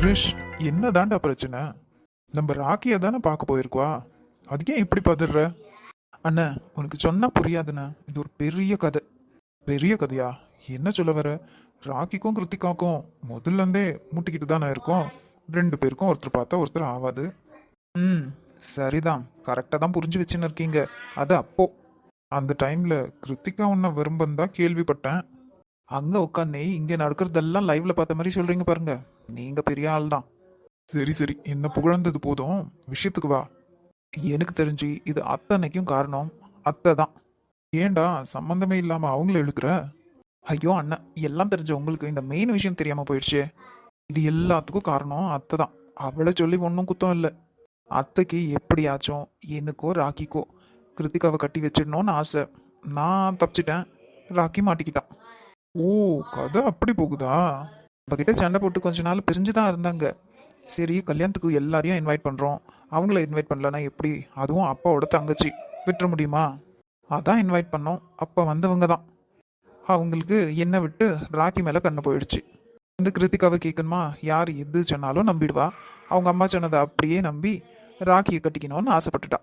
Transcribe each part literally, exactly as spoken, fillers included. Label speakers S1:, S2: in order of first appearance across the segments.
S1: கிரிஷ், என்ன தாண்டா பிரச்சனை? நம்ம ராக்கியை தானே பார்க்க போயிருக்கோம். அதுக்கே இப்படி பதற? அண்ணா, உனக்கு சொன்னா புரியாதுண்ணா. இது ஒரு பெரிய கதை. பெரிய கதையா? என்ன சொல்ல வர? ராக்கிக்கும் கிருத்திகாக்கும் முதல்ல இருந்தே முட்டிக்கிட்டு தானே இருக்கோம். ரெண்டு பேருக்கும் ஒருத்தர் பார்த்தா ஒருத்தர் ஆகாது. ம், சரிதான். கரெக்டாக தான் புரிஞ்சு வச்சுன்னு இருக்கீங்க. அது அப்போ அந்த டைம்ல கிருத்திகா உன்னை விரும்பந்தா கேள்விப்பட்டேன். அங்க உட்காந்து இங்க நடக்கிறதெல்லாம் லைவ்ல பார்த்த மாதிரி சொல்றீங்க பாருங்க. நீங்க பெரிய ஆள் தான். சரி சரி, என்ன புகழ்ந்தது போதும், விஷயத்துக்கு வா. எனக்கு தெரிஞ்சு இது அத்தனைக்கும் காரணம் அத்தை தான். ஏன்டா சம்பந்தமே இல்லாம அவங்கள இழுக்கிற? ஐயோ அண்ணா, எல்லாம் தெரிஞ்ச உங்களுக்கு இந்த மெயின் விஷயம் தெரியாம போயிடுச்சு. இது எல்லாத்துக்கும் காரணம் அத்தை தான். அவளை சொல்லி ஒன்றும் குத்தம் இல்லை. அத்தைக்கு எப்படியாச்சும் எனக்கோ ராக்கிக்கோ கிருத்திகாவை கட்டி வச்சிடணும்னு ஆசை. நான் தப்பிச்சிட்டேன், ராக்கி மாட்டிக்கிட்டான். ஓ, கதை அப்படி போகுதா? கிட்ட சண்டை போட்டு கொஞ்ச நாள் பிரிஞ்சு தான் இருந்தாங்க. சரி, கல்யாணத்துக்கு எல்லாரையும் இன்வைட் பண்ணுறோம், அவங்கள இன்வைட் பண்ணலன்னா எப்படி? அதுவும் அப்பாவோட தங்கச்சி விட்டுற முடியுமா? அதான் இன்வைட் பண்ணோம். அப்போ வந்தவங்க தான். அவங்களுக்கு என்னை விட்டு ராக்கி மேலே கண்ணு போயிடுச்சு. இந்த கிருத்திகாவை கேட்கணுமா? யார் எது சொன்னாலும் நம்பிடுவா. அவங்க அம்மா சொன்னதை அப்படியே நம்பி ராக்கியை கட்டிக்கணும்னு ஆசைப்பட்டுட்டா.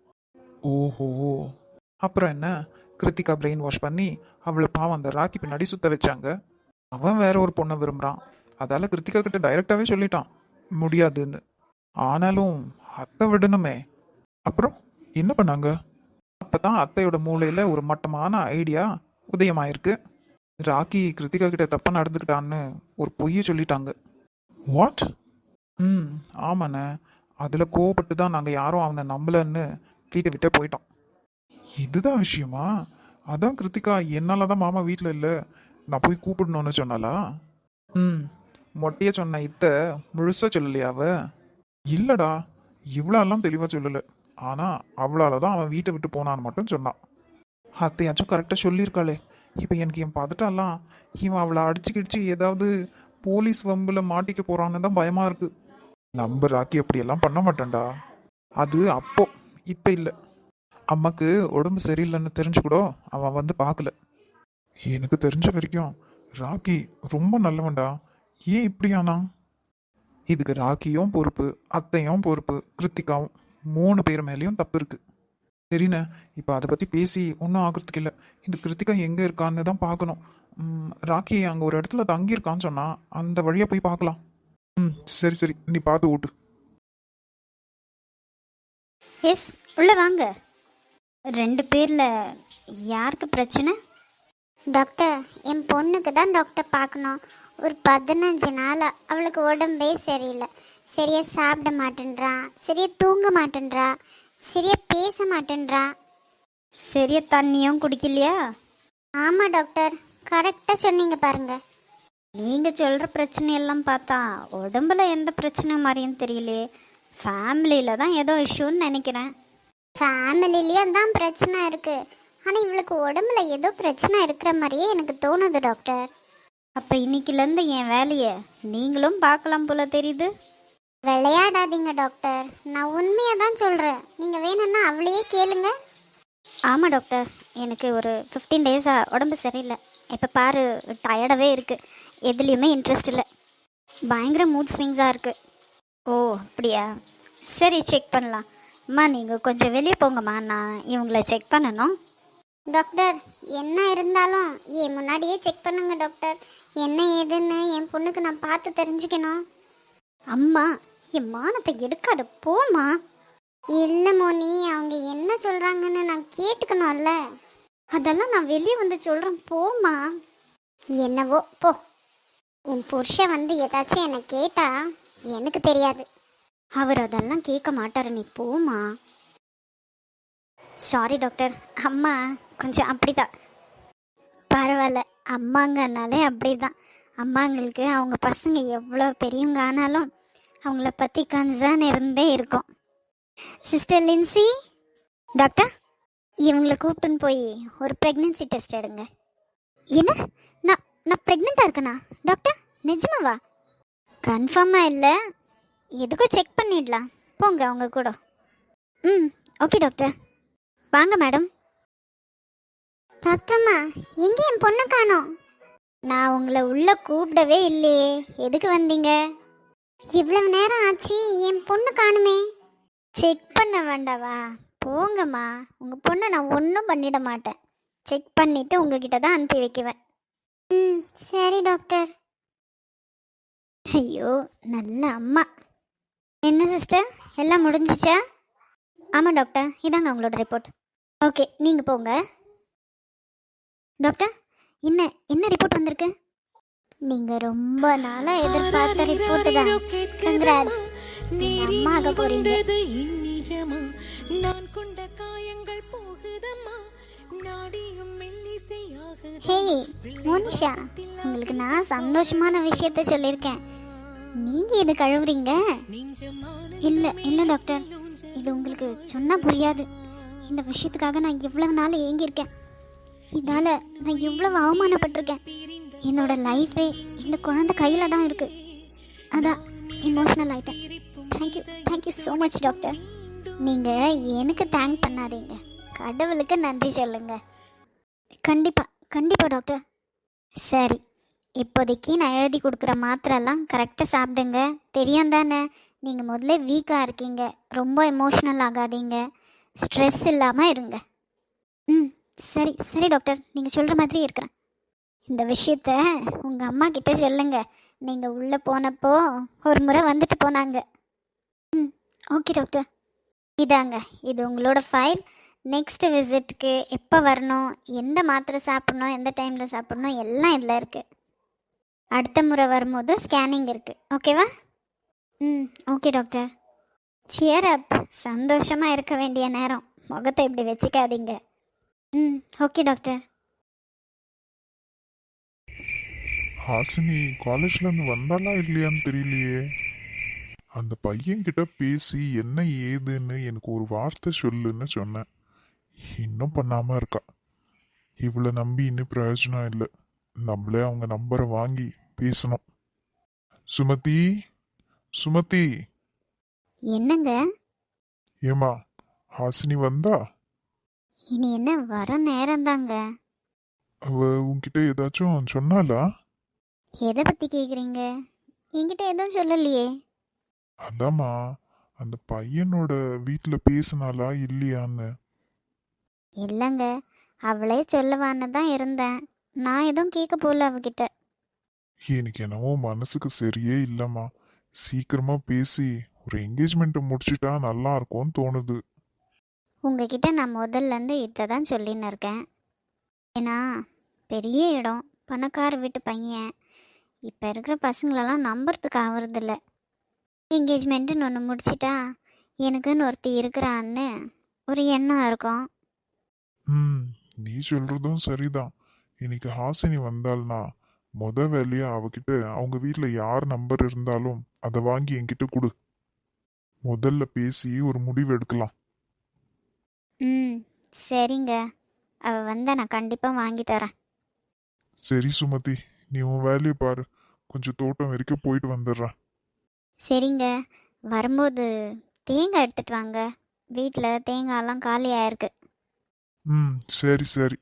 S1: ஓஹோ, அப்புறம் என்ன? கிருத்திகா பிரெயின் வாஷ் பண்ணி அவளை பாவம் அந்த ராக்கி பின்னாடி சுத்த வச்சாங்க. அவன் வேற ஒரு பொண்ணை விரும்புறான். அதால கிருத்திகா கிட்ட டைரக்டாவே சொல்லிட்டான் முடியாதுன்னு. ஆனாலும் அத்தை விடணுமே. அப்புறம் என்ன பண்ணாங்க? அப்பதான் அத்தையோட மூளையில ஒரு மட்டமான ஐடியா உதயமாயிருக்கு. ராக்கி கிருத்திகா கிட்ட தப்பா நடந்துக்கிட்டான்னு ஒரு பொய்யை சொல்லிட்டாங்க. வாட்? ம், ஆமாண்ணே. அதுல கோவப்பட்டு தான் நாங்க யாரும் அவனை நம்பலன்னு வீட்டை விட்டே போயிட்டோம். இதுதான் விஷயமா? அதான் கிருத்திகா என்னாலதான் மாமா வீட்டில் இல்லை, நான் போய் கூப்பிடணும்னு சொன்னாலா? ம், மொட்டைய சொன்ன இத்த முழுசா சொல்லலையா அவ? இல்லடா, இவ்வளோலாம் தெளிவாக சொல்லலை. ஆனால் அவளால தான் அவன் வீட்டை விட்டு போனான்னு மட்டும் சொன்னான். அத்தையாச்சும் கரெக்டாக சொல்லியிருக்காளே. இப்போ எனக்கு என் பதட்டம்லாம் இவன் அவளை அடிச்சு கிடிச்சு ஏதாவது போலீஸ் வம்பில் மாட்டிக்க போறான்னு தான் பயமா இருக்கு. நம்ம ராக்கி அப்படியெல்லாம் பண்ண மாட்டேன்டா. அது அப்போ, இப்போ இல்லை. அம்மாக்கு உடம்பு சரியில்லைன்னு தெரிஞ்சு கூட அவன் வந்து பார்க்கல. எனக்கு தெரிஞ்ச வரைக்கும் ராக்கி ரொம்ப நல்லவன்டா. ஏன் இப்படி ஆனா? இதுக்கு ராக்கியும் பொறுப்பு, அத்தையும் பொறுப்பு, கிருத்திகாவும், மூணு பேர் மேலேயும் தப்பு இருக்கு. சரிண்ணே, இப்போ அதை பற்றி பேசி ஒன்றும் ஆகிறதுக்கு இல்லை. இந்த கிருத்திகா எங்கே இருக்கான்னு தான் பார்க்கணும். ராக்கி அங்கே ஒரு இடத்துல தங்கியிருக்கான்னு சொன்னா அந்த வழியாக போய் பார்க்கலாம். ம், சரி சரி, நீ பார்த்து ஓட்டு.
S2: எஸ், உள்ள வாங்க. ரெண்டு பேரில் யாருக்கு பிரச்சனை?
S3: டாக்டர், என் பொண்ணுக்கு தான் டாக்டர் பார்க்கணும். ஒரு பதினஞ்சு நாள் அவளுக்கு உடம்பே சரியில்லை. சரியா சாப்பிட மாட்டேன்றா, சரியா தூங்க மாட்டேன்றா, சரியா பேச மாட்டேன்றா.
S2: சரியா தண்ணியும் குடிக்கலையா?
S3: ஆமாம் டாக்டர், கரெக்டாக சொன்னீங்க பாருங்க.
S2: நீங்கள் சொல்கிற பிரச்சனையெல்லாம் பார்த்தா உடம்புல எந்த பிரச்சனை மாதிரியும் தெரியலையே. ஃபேமிலியில் தான் ஏதோ இஷ்யூன்னு நினைக்கிறேன்.
S3: ஃபேமிலிலேயும் தான் பிரச்சனை இருக்குது. ஆனால் இவளுக்கு உடம்புல ஏதோ பிரச்சனை இருக்கிற மாதிரியே எனக்கு தோணுது டாக்டர்.
S2: அப்போ இன்னைக்குலேருந்து என் வேலையை நீங்களும் பார்க்கலாம் போல தெரியுது.
S3: விளையாடாதீங்க டாக்டர், நான் உண்மையாக தான் சொல்கிறேன். நீங்கள் வேணும்னா அவளையே கேளுங்க.
S2: ஆமாம் டாக்டர், எனக்கு ஒரு ஃபிஃப்டீன் டேஸாக உடம்பு சரியில்லை. இப்போ பாரு, டயர்டாகவே இருக்குது. எதுலேயுமே இன்ட்ரெஸ்ட் இல்லை. பயங்கர மூட் ஸ்விங்ஸாக இருக்குது. ஓ அப்படியா? சரி, செக் பண்ணலாம். அம்மா, நீங்கள் கொஞ்சம் வெளியே போங்கம்மா, நான் இவங்கள செக் பண்ணணும்.
S3: டாக்டர், என்ன இருந்தாலும் என் முன்னாடியே செக் பண்ணுங்க டாக்டர். என்ன ஏதுன்னு என் பொண்ணுக்கு நான் பார்த்து தெரிஞ்சுக்கணும்.
S2: அம்மா, என் மானத்தை எடுக்காத, போம்மா.
S3: இல்லை மோனி, அவங்க என்ன சொல்கிறாங்கன்னு நான் கேட்டுக்கணும்ல.
S2: அதெல்லாம் நான் வெளியே வந்து சொல்கிறேன், போம்மா.
S3: என்னவோ போ. உன் புருஷன் வந்து ஏதாச்சும் என்னை கேட்டா எனக்கு தெரியாது.
S2: அவர் அதெல்லாம் கேட்க மாட்டார், நீ போம்மா. சாரி டாக்டர், அம்மா கொஞ்சம் அப்படிதான். பரவாயில்ல, அம்மாங்கனாலே அப்படிதான். அம்மாங்களுக்கு அவங்க பசங்க எவ்வளோ பெரியவங்க ஆனாலும் அவங்கள பற்றி கன்சர்ன் இருந்தே இருக்கும். சிஸ்டர் லின்சி, டாக்டர் இவங்களை கூப்பிட்டுன்னு போய் ஒரு ப்ரெக்னென்சி டெஸ்ட் எடுங்க. என்ன? நான் நான் ப்ரெக்னெண்ட்டாக இருக்கேனா டாக்டர்? நிஜமாவா? கன்ஃபார்மாக இல்லை, எதுக்கும் செக் பண்ணிடலாம். போங்க அவங்க கூட. ம், ஓகே டாக்டர். வாங்க மேடம்.
S3: டாக்டர்மா, எங்கே என் பொண்ணு காணோம்?
S2: நான் உங்களை உள்ளே கூப்பிடவே இல்லையே, எதுக்கு வந்தீங்க?
S3: இவ்வளவு நேரம் ஆச்சு, என் பொண்ணு காணுமே.
S2: செக் பண்ண வேண்டாவா? போங்கம்மா, உங்கள் பொண்ணை நான் ஒன்றும் பண்ணிட மாட்டேன். செக் பண்ணிவிட்டு உங்ககிட்ட தான் அனுப்பி வைக்குவேன்.
S3: ம் சரி டாக்டர்.
S2: ஐயோ, நல்ல அம்மா. என்ன சிஸ்டர், எல்லாம் முடிஞ்சிச்சா? ஆமாம் டாக்டர், இதாங்க உங்களோட ரிப்போர்ட். ஓகே, நீங்கள் போங்க. டாக்டர், என்ன என்ன ரிப்போர்ட் வந்திருக்கு? நீங்கள் ரொம்ப நாளாக எதிர்பார்த்த ரிப்போர்ட் தான். கங்க்ராட்ஸ், அம்மா ஆக போறீங்க. ஹே மோனிஷா, உங்களுக்கு நான் சந்தோஷமான விஷயத்த சொல்லியிருக்கேன். நீங்க எது கழுவுறீங்க? இல்ல இல்ல டாக்டர், இது உங்களுக்கு சொன்னா புரியாது. இந்த விஷயத்துக்காக நான் இவ்வளவு நாள் ஏங்கியிருக்கேன். இதால நான் எவ்வளவு அவமானப்பட்டிருக்கேன். என்னோட லைஃபே இந்த குழந்தை கையில தான் இருக்கு. அதான் இமோஷனல் ஆயிட்டேன். Thank you thank you so much doctor. நீங்க எனக்கு தேங்க் பண்ணாதீங்க, கடவுளுக்கு நன்றி சொல்லுங்க. கண்டிப்பா கண்டிப்பா டாக்டர். சரி, இப்போதைக்கு நான் எழுதி கொடுக்குற மாத்திரெல்லாம் கரெக்டாக சாப்பிடுங்க. தெரியும் தானே, நீங்கள் முதல்ல வீக்காக இருக்கீங்க. ரொம்ப எமோஷ்னல் ஆகாதீங்க, ஸ்ட்ரெஸ் இல்லாமல் இருங்க. ம் சரி சரி டாக்டர், நீங்கள் சொல்கிற மாதிரி இருக்கிறேன். இந்த விஷயத்த உங்கள் அம்மா கிட்ட சொல்லுங்க. நீங்கள் உள்ளே போனப்போ ஒரு முறை வந்துட்டு போனாங்க. ம் ஓகே டாக்டர். இதாங்க, இது உங்களோட ஃபைல். நெக்ஸ்ட் விசிட்டுக்கு எப்போ வரணும், எந்த மாத்திரை சாப்பிட்ணும், எந்த டைமில் சாப்பிட்ணும் எல்லாம் இதில் இருக்குது. அடுத்த முறை வரும்போது ஸ்கேனிங் இருக்குது. ஓகேவா? ம் ஓகே டாக்டர். சியர் அப். சந்தோஷமாக இருக்க வேண்டிய நேரம், முகத்தை இப்படி வச்சுக்காதீங்க. ம் ஓகே டாக்டர்.
S4: ஹாசினி காலேஜ்ல இருந்து வந்தாளா இல்லையான்னு தெரியலையே. அந்த பையன்கிட்ட பேசி என்ன ஏதுன்னு எனக்கு ஒரு வார்த்தை சொல்லுன்னு சொன்னேன். இன்னும் பண்ணாம இருக்கா. இவளை நம்பி இன்னும் பிரயோஜனம் இல்லை. நம்மளே அவங்க நம்பரை வாங்கி பேசணும். சுமதி, சுமதி.
S2: என்னங்க?
S4: ஏமா ஹாசினி வந்தா?
S2: இனி என்ன, வர நேரம்தாங்க.
S4: அவ உன்கிட்ட ஏதாச்சும் சொன்னாலா?
S2: எதை பற்றி கேட்குறீங்க? என்கிட்ட எதுவும் சொல்லலையே.
S4: அதாம்மா, அந்த பையனோட வீட்டில் பேசினாலா இல்லையான்னு.
S2: இல்லைங்க, அவளே சொல்லுவான்னு தான் இருந்தேன். நான் எதுவும் கேட்க போகல அவகிட்ட.
S4: எனக்கு என்னவோ மனசுக்கு சரியே இல்லைம்மா. சீக்கிரமா பேசி ஒரு என்கேஜ்மெண்ட்டை முடிச்சிட்டா நல்லா இருக்கும்னு தோணுது.
S2: உங்ககிட்ட நான் முதல்லேருந்து இதை தான் சொல்லின்னு இருக்கேன். ஏன்னா பெரிய இடம், பணக்கார வீட்டு பையன். இப்போ இருக்கிற பசங்களெல்லாம் நம்புறதுக்கு ஆகுறதில்ல. என்கேஜ்மெண்ட்டுன்னு ஒன்று முடிச்சிட்டா எனக்குன்னு ஒருத்தி இருக்கிறான்னு ஒரு எண்ணம் இருக்கும்.
S4: ம் நீ சொல்றதும் சரிதான். இன்னைக்கு ஹாசினி வந்தாள்னா முத வேலையா அவகிட்ட அவங்க வீட்டில் யார் நம்பர் இருந்தாலும் அதை வாங்கி என்கிட்ட கொடு. முதல்ல பேசி ஒரு முடிவு எடுக்கலாம்.
S2: ம் சரிங்க, அவள் வந்தால் நான் கண்டிப்பாக வாங்கி தரேன்.
S4: சரி சுமதி, நீ உன் வேலையை பாரு. கொஞ்சம் தோட்டம் வரைக்கும் போயிட்டு வந்துடுறேன்.
S2: சரிங்க, வரும்போது தேங்காய் எடுத்துட்டு வாங்க. வீட்டில் தேங்காயெல்லாம் காலி ஆயிருக்கு.
S4: ம் சரி சரி.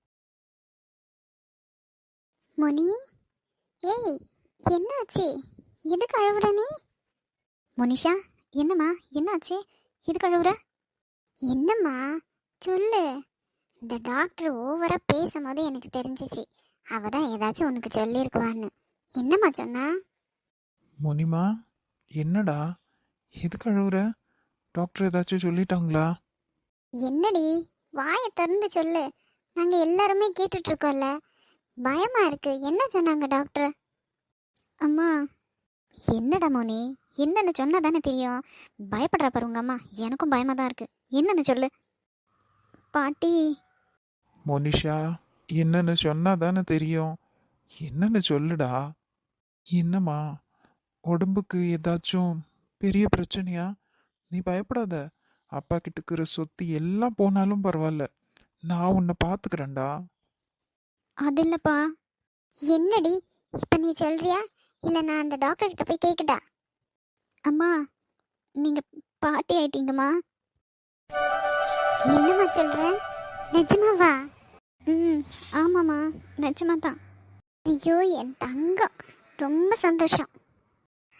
S3: முனி, ஏய் என்னாச்சு? எதுக்கு அழுவுற நீ?
S2: முனிஷா, என்னம்மா என்னாச்சு? இது கழுவுற?
S3: என்னம்மா சொல்லு. இந்த டாக்டர் ஓவரா பேசும்போது எனக்கு தெரிஞ்சிச்சு அவ தான் ஏதாச்சும் உனக்கு சொல்லியிருக்குவான்னு. என்னம்மா சொன்னா?
S1: முனிமா, என்னடா இது கழுவுற? டாக்டர் ஏதாச்சும் சொல்லிட்டாங்களா?
S3: என்னடி, வாயை திறந்து சொல்லு. நாங்க எல்லாருமே கேட்டுட்டு இருக்கோம்ல. பயமா இருக்கு. என்ன சொன்னாங்க டாக்டர்?
S2: அம்மா, என்னடா மோனி, என்னன்னு சொன்னா தானே தெரியும். பயப்படுறா பாரு உங்க அம்மா. எனக்கும் பயமாக தான் இருக்கு. என்னன்னு சொல்லு. பாட்டி.
S1: மோனிஷா, என்னன்னு சொன்னா தானே தெரியும். என்னன்னு சொல்லுடா. என்னம்மா, உடம்புக்கு ஏதாச்சும் பெரிய பிரச்சனையா? நீ பயப்படாத. அப்பா கிட்ட இருக்கிற சொத்து எல்லாம் போனாலும் பரவாயில்ல, நான் உன்னை பார்த்துக்கிறேன்டா.
S2: அது இல்லப்பா.
S3: என்னடி இப்ப நீ சொல்றியா இல்ல நான் அந்த டாக்டர் கிட்ட போய் கேக்கட்டா?
S2: அம்மா, நீங்க பாட்டி ஆயிட்டீங்கம்மா.
S3: என்னம்மா சொல்ற? நிஜமாவா?
S2: ம் ஆமாம்மா, நிஜமா தான்.
S3: ஐயோ என் தங்கம், ரொம்ப சந்தோஷம்.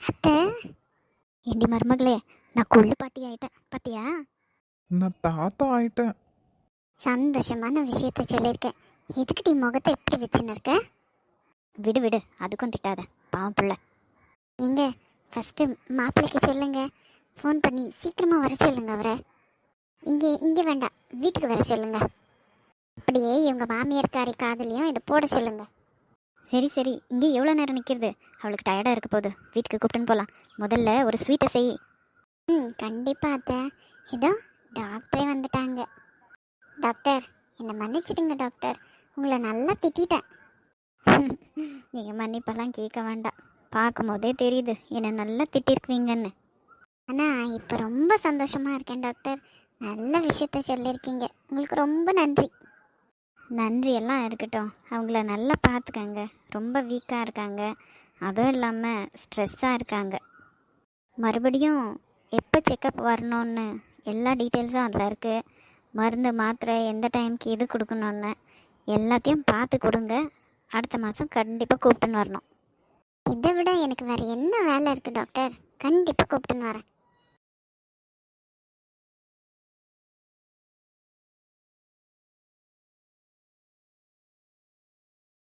S3: அத்தை
S2: ஏண்டி மருமகளே, நான் கொள்ளு பாட்டி ஆயிட்டேன் பாத்தியா?
S1: நான் தாத்தா ஆயிட்டேன்.
S3: சந்தோஷமான விஷயத்த சொல்லியிருக்கேன். எதுக்குடி முகத்தை எப்படி வச்சுன்னு இருக்க?
S2: விடு விடு, அதுக்கும் திட்டாத, பாவம் புள்ள.
S3: நீங்க ஃபஸ்ட்டு மாப்பிள்ளைக்கு சொல்லுங்க, ஃபோன் பண்ணி சீக்கிரமாக வர சொல்லுங்க அவரை. இங்கே இங்கே வேண்டாம், வீட்டுக்கு வர சொல்லுங்க. அப்படியே இவங்க மாமியார்காரி காதலையும் இதை போட சொல்லுங்க.
S2: சரி சரி, இங்கே எவ்வளோ நேரம் நிற்கிறது? அவளுக்கு டயர்டாக இருக்க போகுது, வீட்டுக்கு கூப்பிட்டுன்னு போகலாம். முதல்ல ஒரு ஸ்வீட்டை செய்.
S3: ம் கண்டிப்பாக அத்தை. இதோ டாக்டரே வந்துட்டாங்க. டாக்டர் என்னை மன்னிச்சிடுங்க டாக்டர், உங்களை நல்லா திட்டிட்டேன்.
S2: நீங்கள் மன்னிப்பெல்லாம் கேட்க வேண்டாம், பார்க்கும் போதே தெரியுது என்னை நல்லா திட்டிருக்குவீங்கன்னு.
S3: ஆனால் இப்போ ரொம்ப சந்தோஷமாக இருக்கேன் டாக்டர். நல்ல விஷயத்த சொல்லியிருக்கீங்க, உங்களுக்கு ரொம்ப நன்றி.
S2: நன்றி எல்லாம் இருக்கட்டும், அவங்கள நல்லா பார்த்துக்கங்க. ரொம்ப வீக்காக இருக்காங்க, அதுவும் இல்லாமல் ஸ்ட்ரெஸ்ஸாக இருக்காங்க. மறுபடியும் எப்போ செக்கப் வரணும்னு எல்லா டீட்டெயில்ஸும் அதில் இருக்குது. மருந்து மாத்திரை எந்த டைமுக்கு எது கொடுக்கணுன்னு எல்லாத்தையும் பார்த்து கொடுங்க. அடுத்த மாதம் கண்டிப்பாக கூப்பிட்டுன்னு வரணும்.
S3: இதை விட எனக்கு வேறு என்ன வேலை இருக்குது டாக்டர்? கண்டிப்பாக கூப்பிட்டுன்னு வரேன்.